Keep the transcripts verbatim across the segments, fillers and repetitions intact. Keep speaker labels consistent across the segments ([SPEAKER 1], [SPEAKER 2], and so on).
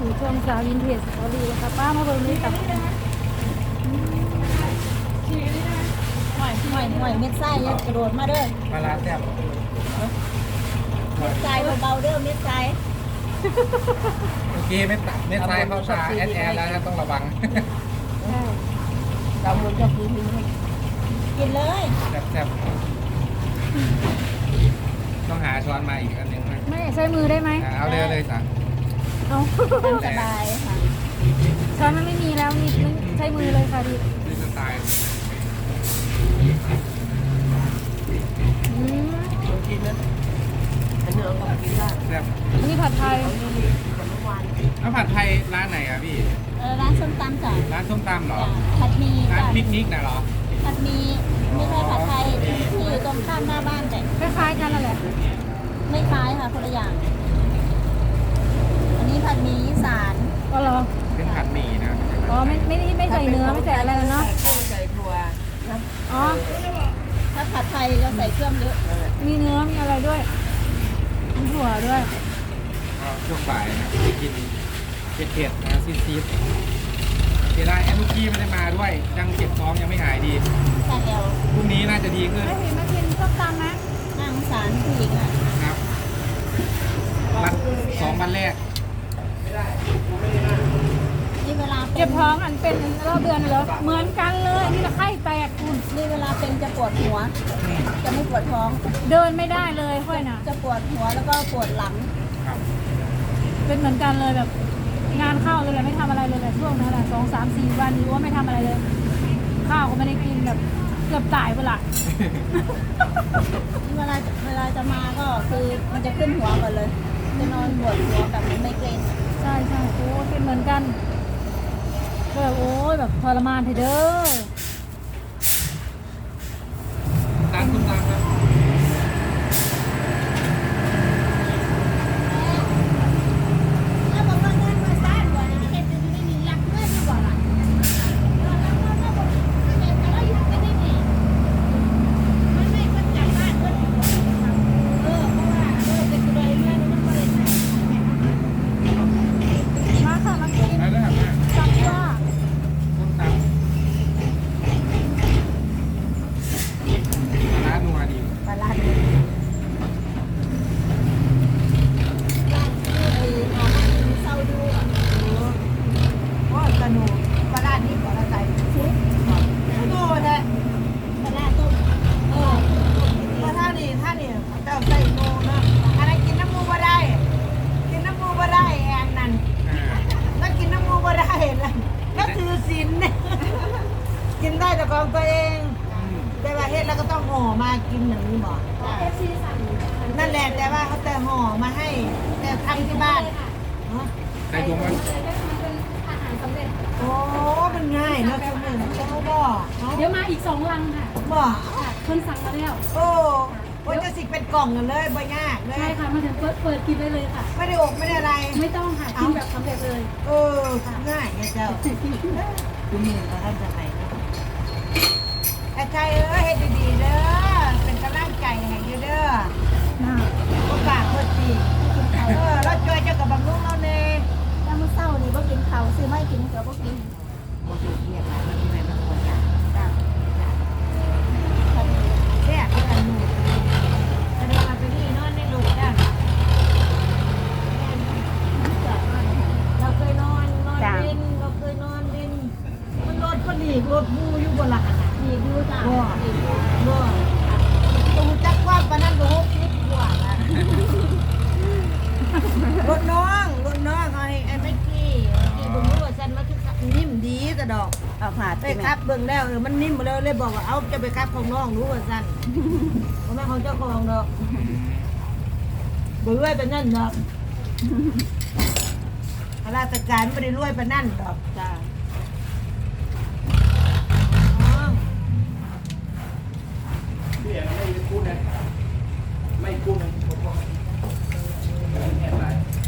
[SPEAKER 1] สู่ช่วงสาววินเทจสตอรี่นะคะป้ามาเบิ่งนี่ตับ
[SPEAKER 2] หอยหอยหอยเม็ดไส้เนี่ยกระโดดมาเด้อ
[SPEAKER 3] มาร้านแซ่บ
[SPEAKER 2] เม็ดไส้เบาๆเด้อเม็ดไส้
[SPEAKER 3] เมื่อกี้ไม่ตัดไม่ใช่เข้าตาแอดแอดแล้วนะต้องระวัง
[SPEAKER 2] เราหมุนกับพื้นกินเลย
[SPEAKER 3] แซ่บแซ่บต้องหาช้อนมาอีกอันหนึงนะ
[SPEAKER 1] ไม่ใช้มือได้ไหม
[SPEAKER 3] อ่ะเอาเลยเลยจ้ะ
[SPEAKER 1] เอา
[SPEAKER 2] ตามสบายค่ะ
[SPEAKER 1] ช้อนมันไม่มีแล้วมีใช้มือเลยค่ะดิ
[SPEAKER 3] นี่สไตล์
[SPEAKER 1] อืม
[SPEAKER 4] กินนะอันเนื้อก็กินได้
[SPEAKER 3] แซ่บ
[SPEAKER 1] นี่ผัดไทย
[SPEAKER 3] แล้วผัดไทยร้านไหนอ่ะพี่
[SPEAKER 2] เออร้านส้มตำจ้ะ
[SPEAKER 3] ร้านส้มตำเหรอ
[SPEAKER 2] จ้ะผัดหมี
[SPEAKER 3] ร้าน
[SPEAKER 2] จ้ะ
[SPEAKER 3] ปิกนิกน่ะเหรอ
[SPEAKER 2] ผัดหมีไม่ใช่ผัดไทยที่อยู่ตรงข้ามหน้าบ้านแต่
[SPEAKER 1] คล้ายๆกันนั่นแหละ
[SPEAKER 2] ไม่คล้ายค่ะคนละอย่าง อันนี้ผัดหมีอีสาน
[SPEAKER 1] ก็เหรอ
[SPEAKER 3] เป็นผัดหมี่นะ
[SPEAKER 1] อ๋อไม่ไม่ได้ไม่ใส่เนื้อไม่ใส่อะไรเลยเนาะ
[SPEAKER 4] ใส่ถั่ว
[SPEAKER 1] อ๋อ
[SPEAKER 2] ถ้าผัดไทยจะใส่เครื่องเยอะ
[SPEAKER 1] มีเนื้อมีอะไรด้วยมีถั่วด้วย
[SPEAKER 3] ก็ช่วงบ่ายนะไปกินเผ็ดๆนะซีดๆเสียดายแอนนุกี้ไม่ได้มาด้วยยังเจ็บท้องยังไม่หายดี
[SPEAKER 2] ใส่แล้ว
[SPEAKER 3] พรุ่งนี้น่าจะดีขึ้น
[SPEAKER 1] ไม่เห็นมากินส้มตำนะ
[SPEAKER 2] น่าสงสารผู้หญิงอ่ะ
[SPEAKER 3] ครับวันสองวันแรก
[SPEAKER 2] นี่เวลาป็น
[SPEAKER 1] เจ็บท้องอันเป็นรอบเดือนเหรอเหมือนกันเลยนี่ละไข้แตกคุณ
[SPEAKER 2] นี่เวลาเป็นจะปวดหัว จะไม่ปวดท้อง
[SPEAKER 1] เดินไม่ได้เลยค่อยนะ
[SPEAKER 2] จะปวดหัวแล้วก็ปวดหลัง
[SPEAKER 3] ครับ
[SPEAKER 1] เป็นเหมือนกันเลยแบบงานเข้าเลยแหละไม่ทำอะไรเลยแหละช่วงนั้นแหละสองสามสี่วันนี้ว่าไม่ทำอะไรเลย ข้าวก็ไม่ได้กินแบบเกือบตายเวลา
[SPEAKER 2] เวลาเวลาจะมาก็คือมันจะขึ้นหัวก่อนเลย จะนอนปวดหัวแบบไมเกรนอะ
[SPEAKER 1] ใช่ใช่โอ้เป็นเหมือนกันก็แบบโอ้ยแบบทรมานเถอะเด้อ
[SPEAKER 3] ตามคุณตามครับ
[SPEAKER 2] แล้วบอกว่าเงินมาสร้างก่อนนะเห็นจะไม่มีรักเงินมาก่อนอ่ะแล้วแล้วแล้วแล้วบอกเห็นแต่ว่าอยู่ไม่ได้ดีมันไม่ก็จับบ้านเงินเออเพราะว่าเออเป็นกระไดเงินมันก็เลยใช่
[SPEAKER 1] มาค่ะมากิน
[SPEAKER 3] แล้วนะครับ
[SPEAKER 1] จับว่า
[SPEAKER 3] ต้มตำปลาร้านัวดี
[SPEAKER 2] ปลาลาดเลยไอ้หอมเศร้าดูอ่ะ
[SPEAKER 4] โอ้กระหนูปลาร้านี่ปลาร้าใส่ชุดโน่แท้
[SPEAKER 2] ปลาลาดต้มเออ
[SPEAKER 4] ปลาท่านี่ท่านี่เจ้าใส่โน่นะอะไรกินน้ำมูบ่ได้ กินน้ำมูบ่ได้แอนนั่น
[SPEAKER 3] อ่า
[SPEAKER 4] แล้วกินน้ำมูบ่ได้แล้วแล้วถือศีลเนี่ยกินได้แต่ของตัวเอง
[SPEAKER 3] อืม
[SPEAKER 4] แต่ว่าเฮ็ดแล้วก็ต้องห่อมากินอย่างนี้บ่
[SPEAKER 1] เอฟซีสั่ง
[SPEAKER 4] นั่นแหละแต่ว่าเขาแต่ห่อมาให้แต่ทำที่บ้านฮะ
[SPEAKER 3] ใส่ถุงมัน
[SPEAKER 1] มันเป็นอาหารสำเร็จ
[SPEAKER 4] โอ้มันง่ายเนาะคุณหนึ่งเขาบ่เนาะ
[SPEAKER 1] เดี๋ยวมาอีกสองลังค่ะ
[SPEAKER 4] บ่
[SPEAKER 1] คนสั่งมาแล้ว
[SPEAKER 4] โอ้โอ้ยจะสิเป็นกล่องกันเลยบ่ยากเล
[SPEAKER 1] ใช่
[SPEAKER 4] ย
[SPEAKER 1] ค่ะมาถึงเปิดเปิดกินได้เลยค่ะ
[SPEAKER 4] ไม่ได้อกไม่ได้อะไร
[SPEAKER 1] ไม่ต้องค่ะกินแบบสำเร็จเลย
[SPEAKER 4] เออง่ายไงเจ้าคุณหนึ่งเขาทำจะไหนไอ้ใจเอ้ยเฮ็ดดีๆเด้อเป็นกำลังใจให้อยู่เด้อ
[SPEAKER 1] น่า
[SPEAKER 4] บ่ปากบ่ตีเออเราช่วยเจ้ากับบำรุงเราแน่
[SPEAKER 2] ถ้ามื้อเช้านี่บ่กินข้าวซื้อไม่กินเสือบ่กิน
[SPEAKER 4] บ่ถูกเรียกอะไรมันไม่มาควรจ้ะ
[SPEAKER 2] จ้ะ
[SPEAKER 4] แซ่บคือกันหนูแต่เดี๋ยวเราไปนี่นอนในลูกจ้ะเราเคยนอนนอนดินเราเคยนอนดินมันรถก็หนีรถบูอยู่บนหลังอ่ะ
[SPEAKER 2] นี่ดูจ้ะ
[SPEAKER 4] บ่บ่ตูจักความปานนั้นก็หกสิบกว่าละรถน้องรถน้องเอาให้ไอ้แม็กกี้ที่เบิ่งรู้ว่าฉันมันคือนิ่มดีแต่ดอก
[SPEAKER 2] เอาผ่า
[SPEAKER 4] ไปครับเบิ่งแล้วเออมันนิ่มมาแล้วเลยบอกว่าเอาจะไปครับของน้องรู้ว่าซั่นเพราะแม่ของเจ้าของดอกบ่รวยปานนั้นดอกข้าราชการบ่ได้รวยปานนั้นดอก
[SPEAKER 2] จ้ะ
[SPEAKER 4] น้อง
[SPEAKER 3] พี่ไม่กู้นะไม่กู้นะผมบอกแอบไร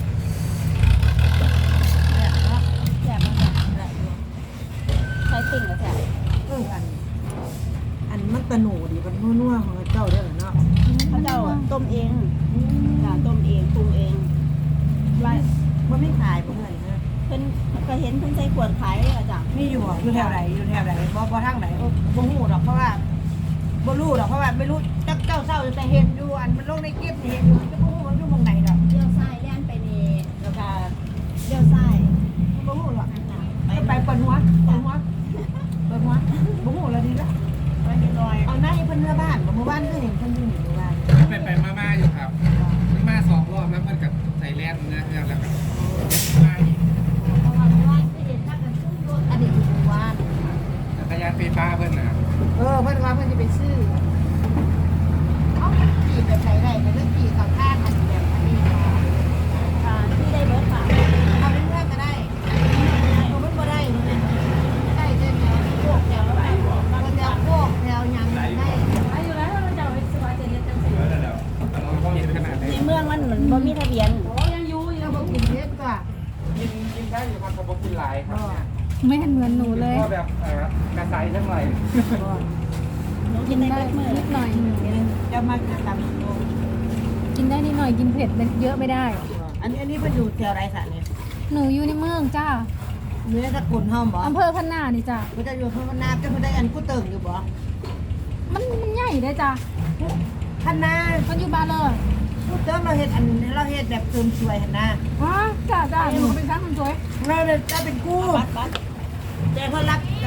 [SPEAKER 4] เนี่ยเนาะ
[SPEAKER 2] แซ่บมากจ้ะใช้ติ่งกับแซ่บ
[SPEAKER 4] เอออัน อันมันตะหนูดิมันนัวๆของเจ้าเด้อเนาะ
[SPEAKER 2] เขาเจ้าอะต้มเองจ้ะต้มเองปรุงเอง
[SPEAKER 4] ว่าไม่ขายบ่เงินนะ
[SPEAKER 2] เป็นก็เห็นเพิ่นใส่ขวดขายเลยอะจ้ะ
[SPEAKER 4] มีอยู่บ่อยู่แถวไหนอยู่แถวไหนบ่บ่ทางไหนบ่ฮู้ดอกเพราะว่าบ่รู้ดอกเพราะว่าไม่รู้จักเจ้าเศร้าแต่เห็นอยู่อันมันลงในคลิปนี่เห็นอยู่จะบ่ฮู้มันอยู่หม่องไหนดอก
[SPEAKER 2] เลี้ยวซ้ายแล่นไปนี่แล้วก็เลี้ยวซ้าย
[SPEAKER 4] บ่ฮู้หรอก
[SPEAKER 2] ไป
[SPEAKER 4] ไปไปเปิดหัวเปิดหัวเปิดหัวบ่ฮู้แล้วดีละ
[SPEAKER 2] ไปเรียบร้อย
[SPEAKER 4] เอาหน้าให้เพิ่นเมื่อบ้านบ่เมื่อบ้านก็เห็นเพิ่นอยู่นี่เมื่อบ้าน
[SPEAKER 3] ไปไปมามาอยู่ครับมาสองรอบแล้วมันกับใส่แลนด์นะแล้วก็มาอีก
[SPEAKER 2] เพราะว่าเมื่อวานไปเห็นถ้ากันซุ่มรถ
[SPEAKER 4] อันนี้อยู่หมู่บ้าน
[SPEAKER 3] จักรยานไฟฟ้าเพิ่นนะ
[SPEAKER 4] เออเพิ่นว่าเพิ่นจะไปซื้อเอาขี่แบบไหนได้เรื่องขี่เขาข้างอันแบบอันนี้
[SPEAKER 2] อ่าที่ได้เบิร์ดค่ะ
[SPEAKER 4] เอาเรื่องก็ได้เอามันบ่ได้มันได้เส้นแนวพวกแนวอะไรแนวพวกแนวหยังได้
[SPEAKER 1] อายุแล้วเราจะเอาไปสวายเจ็ดเดือนจังสิ
[SPEAKER 3] เราเห็นขนาดไหน
[SPEAKER 2] ในเมืองมันเหมือนบ่มีทะเบียน
[SPEAKER 1] โอ้ยังอยู่ยัง
[SPEAKER 4] เราบ่กินเยอะกว่า
[SPEAKER 3] กินกินได้อยู่ครับแต่บ่กินหลายครับเนี่ย
[SPEAKER 1] ไม่เห็นเหมือนหนูเลย
[SPEAKER 3] ก็แบบเอ่อกระใสทั้งหลาย
[SPEAKER 2] หนูกินได้เบิร์ดมือ
[SPEAKER 1] นิดหน่อย
[SPEAKER 4] จะมาจะตำโต
[SPEAKER 1] กินได้นิดหน่อยกินเผ็ดเยอะไม่ได้
[SPEAKER 4] อันนี้อันนี้เพิ่นอยู่แถวไรสันเนี่ย
[SPEAKER 1] หนูอยู่ในเมืองจ้า
[SPEAKER 4] เนื้อตะกุนห้อมบ่
[SPEAKER 1] อำเภอพันนานี่จ้า
[SPEAKER 4] เพิ่นจะอยู่เพิ่นนาจะเพิ่นได้อันกูเติ่งอยู่บ่
[SPEAKER 1] มันมันใหญ่ได้จ้า
[SPEAKER 4] พันนา
[SPEAKER 1] มันอยู่บ้านเลย
[SPEAKER 4] กูเติ่งเราเฮ็ดอันเราเฮ็ดแบบเติมสวยหั่นนะ
[SPEAKER 1] ฮะจ้าจ้าหนูเป็นช่างมันสวย
[SPEAKER 4] เราเนี่ยจะเป็นกู้
[SPEAKER 2] บัดบัด
[SPEAKER 4] แต่เพิ่นรับจะ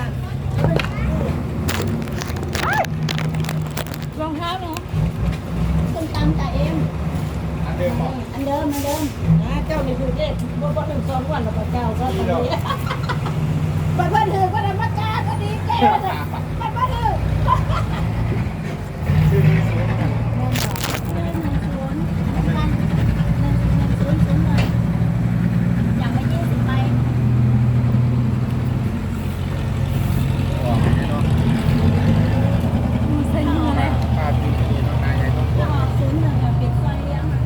[SPEAKER 1] รองเท้าหนู
[SPEAKER 2] ส้มตำจ่าเอ็ม
[SPEAKER 3] อันเดิมบอก
[SPEAKER 2] อันเดิมอันเดิม
[SPEAKER 4] นะเจ้านี่คือเด็กบ่บ่ถึงสองวันแล้วก็เจ้าก็
[SPEAKER 3] นี่
[SPEAKER 4] ตอน
[SPEAKER 3] เดียว
[SPEAKER 4] นี้บัดเพิ่นถือก็ได้มาจ้าก็ดีแก่เลยบัดเพิ่นถือ
[SPEAKER 3] ชื่อนี้สวยมาก
[SPEAKER 2] หนึ่งหนึ่งศูนย์หนึ่งพันหนึ่งหนึ่งศูนย์ศูนย์หนึ่งอย่างละยี่สิบใบ
[SPEAKER 3] บอกให้เนาะ
[SPEAKER 1] ใส่มือเลย
[SPEAKER 3] ป้าจุดนี้เนาะนายใหญ่ต้อง
[SPEAKER 2] ถ้าออกศูนย์หนึ่งอะปิดซอยเลี้ยงอะ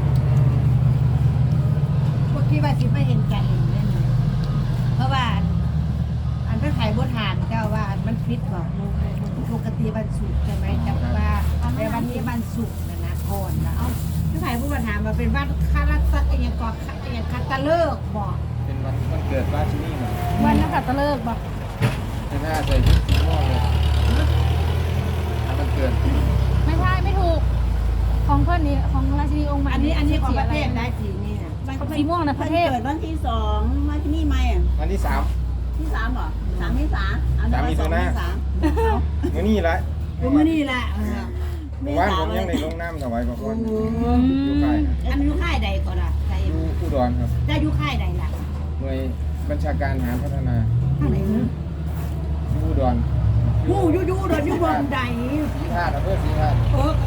[SPEAKER 4] พวกที่ว่าสิไม่เห็นใจเห็นนั่นนี่เพราะว่าอันอันเพิ่นขายบ่ทานเจ้าว่าอันมันผิดบ่ปกติวันศุกร์ใช่ไหมแต่ว่าแต่วันนี้วันศุกร์นะนะก่อนนะเอ้าพี่ไผ่ผู้ปัญหามาเป็นวันคาราสักอหยังก่อนอหยังคัตะเลิกบ่
[SPEAKER 3] เป็นวันวันเกิดราชินีเหมือน
[SPEAKER 1] วันนักขัตฤกษ์บอก
[SPEAKER 3] เป็นหน้าใส่ชุดสีม่วงเลยวันเกิด
[SPEAKER 1] ไม่ใช่ไม่ถูก ของเพื่อนนี่ของราชินีองค์ใหม่
[SPEAKER 4] อันนี้อันนี้ของประเทศ
[SPEAKER 1] สี
[SPEAKER 4] ได้สีนี่น่ะ
[SPEAKER 1] สีม่วงนะประเทศ
[SPEAKER 2] เกิดวันที่สองวันที่นี่ไหมอะ
[SPEAKER 3] วันที่สาม
[SPEAKER 2] ที่สามเหรอสามที่สามเอา
[SPEAKER 3] สามมี
[SPEAKER 2] ส
[SPEAKER 3] ตั
[SPEAKER 2] อ
[SPEAKER 3] ว
[SPEAKER 2] ง
[SPEAKER 3] หน้า
[SPEAKER 2] ที่สาม
[SPEAKER 3] มื่อนี้ละ
[SPEAKER 4] โอ้มื้อนี้ล่ะเออ
[SPEAKER 3] เมื่อวานผมยังได้ลงน้ำถวายพระพรอยู่ค่ายนะ
[SPEAKER 4] อันอยู่ค่ายใดก่อนล่ะใคร
[SPEAKER 3] อยู่อุดรครับ
[SPEAKER 4] จะอยู่ค่ายใดล่ะ
[SPEAKER 3] หน่วยบัญชาการทหารพัฒนา
[SPEAKER 4] ค่ายไหนฮะ
[SPEAKER 3] อยู่อุดร
[SPEAKER 4] ผู้อยู่อยู่โดนอยู่บ่อนใด
[SPEAKER 3] สีธาตุอำเภอสีธาตุ
[SPEAKER 4] เออ